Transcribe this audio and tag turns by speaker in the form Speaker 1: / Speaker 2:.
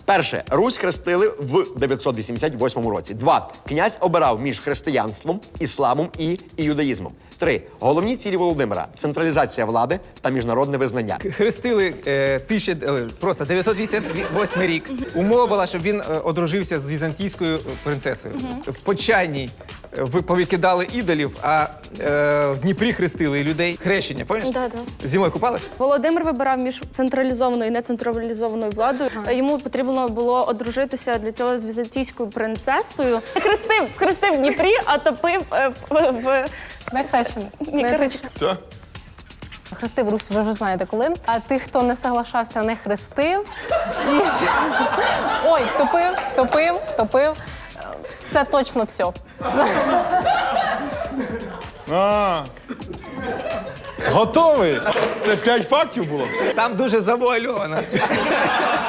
Speaker 1: Перше. Русь хрестили в 988 році. 2. Князь обирав між християнством, ісламом і юдаїзмом. 3. Головні цілі Володимира – централізація влади та міжнародне визнання.
Speaker 2: Хрестили просто 988 рік. Умова була, щоб він одружився з візантійською принцесою. В Почайній повикидали ідолів, а в Дніпрі хрестили людей. Хрещення, пам'ятаєш?
Speaker 3: Да.
Speaker 2: Зимою купалась?
Speaker 3: Володимир вибирав між централізованою і нецентралізованою владою. Йому потрібно було одружитися для цього з візантійською принцесою. Хрестив в Дніпрі, а топив в...
Speaker 4: Не хрещений.
Speaker 3: Ні, коротше.
Speaker 5: Все?
Speaker 4: Хрестив Русь, ви вже знаєте коли. А тих, хто не соглашався, не хрестив. Ой, топив. Це точно все.
Speaker 5: Готовий? Це 5 фактів було?
Speaker 2: Там дуже завуальовано.